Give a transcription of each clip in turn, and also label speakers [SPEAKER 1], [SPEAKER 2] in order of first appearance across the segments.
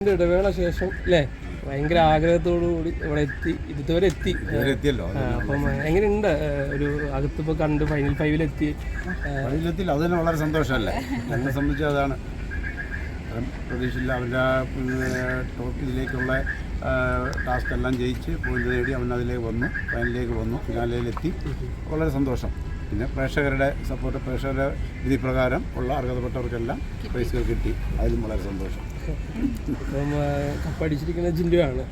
[SPEAKER 1] ഇടവേള ശേഷം അല്ലേ ഭയങ്കര ആഗ്രഹത്തോടു കൂടി ഇവിടെ എത്തി ഇതുവരെ എത്തിയല്ലോ. അപ്പം എങ്ങനെയുണ്ട് ഒരു അകത്തിപ്പോൾ കണ്ട് ഫൈനൽ ഫൈവിലെത്തി?
[SPEAKER 2] ഫൈനലെത്തില്ല, അത് തന്നെ വളരെ സന്തോഷമല്ലേ. എന്നെ സംബന്ധിച്ച് അതാണ് പ്രതീക്ഷയില്ല. അവരുടെ ടോപ്പ് ഇതിലേക്കുള്ള ടാസ്ക് എല്ലാം ജയിച്ച് പോയിന്റ് നേടി അവൻ അതിലേക്ക് വന്നു, ഫൈനലിലേക്ക് വന്നു, ഫിനാലയിലെത്തി. വളരെ സന്തോഷം. പിന്നെ പ്രേക്ഷകരുടെ സപ്പോർട്ട്, പ്രേക്ഷകരുടെ വിധി പ്രകാരം ഉള്ള അർഹതപ്പെട്ടവർക്കെല്ലാം പ്രൈസുകൾ കിട്ടി, അതിലും വളരെ സന്തോഷം.
[SPEAKER 1] അപ്പം കപ്പടിച്ചിരിക്കുന്ന ജിൻഡുവാണ്.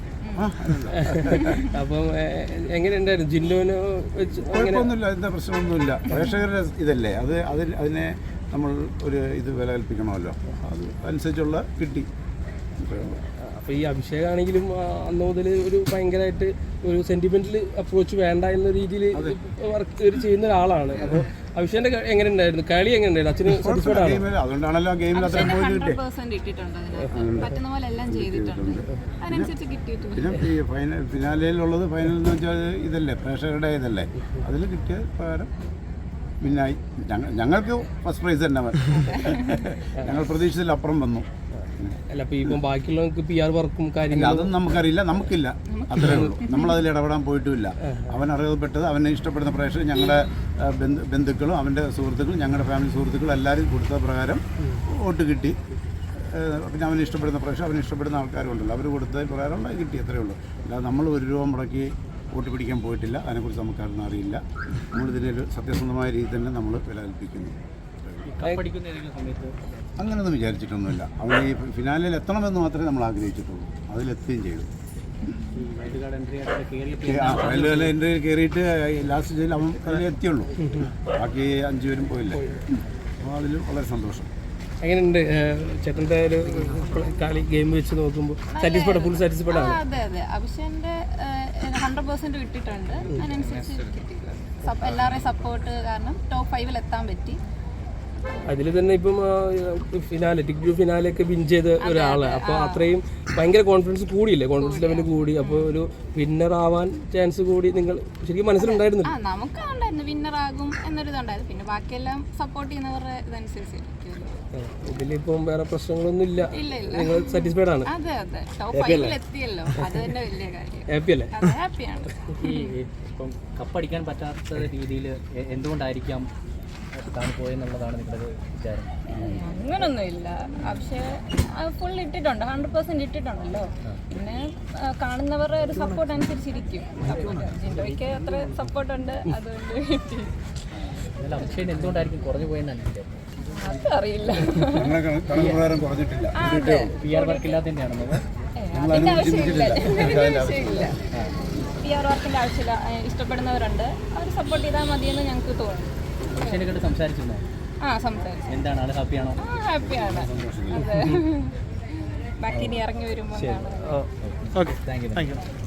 [SPEAKER 1] അപ്പം എങ്ങനെയുണ്ടായിരുന്നു ജിൻഡുവിന്?
[SPEAKER 2] കുഴപ്പമൊന്നുമില്ല, എന്താ പ്രശ്നമൊന്നുമില്ല. പ്രേക്ഷകരുടെ ഇതല്ലേ അത്, അതിനെ നമ്മൾ ഒരു ഇത് വില കൽപ്പിക്കണമല്ലോ, അത് അനുസരിച്ചുള്ള കിട്ടി.
[SPEAKER 1] അപ്പോൾ ഈ അഭിഷേകാണെങ്കിലും അന്ന് മുതൽ ഒരു ഭയങ്കരമായിട്ട് ഒരു സെന്റിമെന്റൽ അപ്രോച്ച് വേണ്ട എന്ന രീതിയിൽ വർക്ക് ചെയ്യുന്ന ഒരാളാണ്. അപ്പോൾ അഭിഷേകിന്റെ എങ്ങനെ ഉണ്ടായിരുന്നു? കളി എങ്ങനെ ഉണ്ടായിരുന്നു? അച്ഛന് സാറ്റിസ്ഫൈഡ് ആണ്?
[SPEAKER 2] അതുകൊണ്ടാണല്ലോ ഗെയിമിൽ അത്രയും പോയിന്റ് കിട്ടി. പിന്നെ ഈ ഫിനാലയിലുള്ളത്, ഫൈനൽ എന്ന് വെച്ചാൽ ഇതല്ലേ പ്രേക്ഷകരുടെ ഇതല്ലേ, അതിൽ കിട്ടിയ പ്രകാരം പിന്നായി. ഞങ്ങൾക്ക് ഫസ്റ്റ് പ്രൈസ് തന്നെ ഞങ്ങൾ പ്രതീക്ഷിച്ചതിലപ്പുറം വന്നു.
[SPEAKER 1] അല്ല, അപ്പോൾ ഇപ്പം ബാക്കിയുള്ളവർക്ക് PR വർക്കും കാര്യങ്ങളും
[SPEAKER 2] അതൊന്നും നമുക്കറിയില്ല, നമുക്കില്ല, അത്രേ ഉള്ളൂ. നമ്മളതിൽ ഇടപെടാൻ പോയിട്ടുമില്ല. അവൻ അറിയപ്പെട്ടത്, അവനെ ഇഷ്ടപ്പെടുന്ന പ്രേക്ഷകർ, ഞങ്ങളുടെ ബന്ധുക്കളും അവൻ്റെ സുഹൃത്തുക്കളും ഞങ്ങളുടെ ഫാമിലി സുഹൃത്തുക്കളും എല്ലാവരും കൊടുത്ത പ്രകാരം വോട്ട് കിട്ടി. പിന്നെ അവനെ ഇഷ്ടപ്പെടുന്ന പ്രേക്ഷകർ, അവനെ ഇഷ്ടപ്പെടുന്ന ആൾക്കാരുണ്ടല്ലോ, അവർ കൊടുത്ത പ്രകാരം കിട്ടി, അത്രേ ഉള്ളൂ. അല്ലാതെ നമ്മൾ 1 രൂപ മുടക്കി വോട്ട് പിടിക്കാൻ പോയിട്ടില്ല. അതിനെക്കുറിച്ച് നമുക്കതൊന്നും അറിയില്ല. നമ്മളിതിനൊരു സത്യസന്ധമായ രീതി തന്നെ നമ്മൾ വില കൽപ്പിക്കുന്നു. അങ്ങനെയൊന്നും വിചാരിച്ചിട്ടൊന്നുമില്ല. അവൻ ഈ ഫിനാലിൽ എത്തണമെന്ന് മാത്രമേ നമ്മൾ ആഗ്രഹിച്ചിട്ടുള്ളൂ, അതിലെത്തുകയും ചെയ്തു. വൈൽഡ് എൻട്രി കയറിയിട്ട് ലാസ്റ്റ് സ്റ്റേജിൽ അവൻ അതിൽ എത്തിയുള്ളൂ, ബാക്കി 5 പേരും പോയില്ലേ. അപ്പോൾ അതിൽ വളരെ സന്തോഷം.
[SPEAKER 3] എങ്ങനെയുണ്ട് ചേട്ടൻ്റെ ഒരു കളി ഗെയിം വെച്ച് നോക്കുമ്പോൾ? സാറ്റിസ്ഫൈഡ്, ഫുൾ സാറ്റിസ്ഫൈഡ് ആണ്?
[SPEAKER 4] അതെ അതെ, അഭിഷേകിന്റെ 100% കിട്ടിയിട്ടുണ്ട്. അതിനനുസരിച്ച് എല്ലാവരുടെയും സപ്പോർട്ട് കാരണം ടോപ്പ് 5-ൽ എത്താൻ പറ്റി.
[SPEAKER 3] അതിൽ തന്നെ ഇപ്പം ഫിനാലെ, ടിക്കറ്റ് ഫിനാലെയൊക്കെ വിൻ ചെയ്ത ഒരാളാണ്. അപ്പോൾ അത്രയും ഭയങ്കര കോൺഫിഡൻസ് കൂടിയില്ലേ, കോൺഫിഡൻസ് ലെവൽ കൂടി. അപ്പോൾ ഒരു വിന്നർ ആവാൻ ചാൻസ് കൂടി നിങ്ങൾ ശരിക്കും മനസ്സിലുണ്ടായിരുന്നു?
[SPEAKER 4] നമുക്ക് ഉണ്ടായിരുന്നു വിന്നർ ആകും എന്നൊരു ഇതുണ്ടായിരുന്നു. പിന്നെ ബാക്കിയെല്ലാം സപ്പോർട്ട് ചെയ്യുന്നവരുടെ ഇതനുസരിച്ച്.
[SPEAKER 3] ഇതിലിപ്പം വേറെ പ്രശ്നങ്ങളൊന്നും ഇല്ല, നിങ്ങൾ സാറ്റിസ്ഫൈഡ് ആണ്?
[SPEAKER 4] അതെ അതെ, ടോപ്പ് 5-ൽ എത്തിയല്ലോ, അത് തന്നെ വലിയ കാര്യം.
[SPEAKER 3] ഹാപ്പി അല്ലേ?
[SPEAKER 4] ഹാപ്പിയാണ്.
[SPEAKER 5] ഈ ഇപ്പം കപ്പടിക്കാൻ പറ്റാത്ത രീതിയിൽ എന്തുകൊണ്ടായിരിക്കാം പോയെന്നുള്ളതാണ് നിങ്ങളുടെ വിചാരം?
[SPEAKER 4] അങ്ങനൊന്നുമില്ല, പക്ഷേ ഫുൾ ഇട്ടിട്ടുണ്ട്, 100% ഇട്ടിട്ടുണ്ടല്ലോ. പിന്നെ കാണുന്നവരുടെ ഒരു സപ്പോർട്ട് അനുസരിച്ചിരിക്കും. ജിൻഡോയ്ക്ക് അത്ര സപ്പോർട്ടുണ്ട്, അതുകൊണ്ട് കിട്ടി.
[SPEAKER 5] അഭിഷേക് എന്തുകൊണ്ടായിരിക്കും കുറഞ്ഞു പോയെന്നാണ്
[SPEAKER 4] അതറിയില്ല.
[SPEAKER 5] PR വർക്ക് ഇല്ലാത്തതിൻ്റെയാണോ?
[SPEAKER 4] അതിൻ്റെ ആവശ്യമില്ല, PR വർക്കിൻ്റെ ആവശ്യമില്ല. ഇഷ്ടപ്പെടുന്നവരുണ്ട്, അവർ സപ്പോർട്ട് ചെയ്താൽ മതിയെന്ന് ഞങ്ങൾക്ക് തോന്നുന്നു.
[SPEAKER 5] അഭിഷേകിനോട് സംസാരിച്ചിരുന്നോ?
[SPEAKER 4] സംസാരിച്ചു.
[SPEAKER 5] എന്താണ്, ആൾ ഹാപ്പിയാണോ?
[SPEAKER 4] ഹാപ്പിയാണ്. അതെ, ബാക്കി ഇനി ഇറങ്ങി വരുമ്പോൾ.
[SPEAKER 3] Okay, thank U.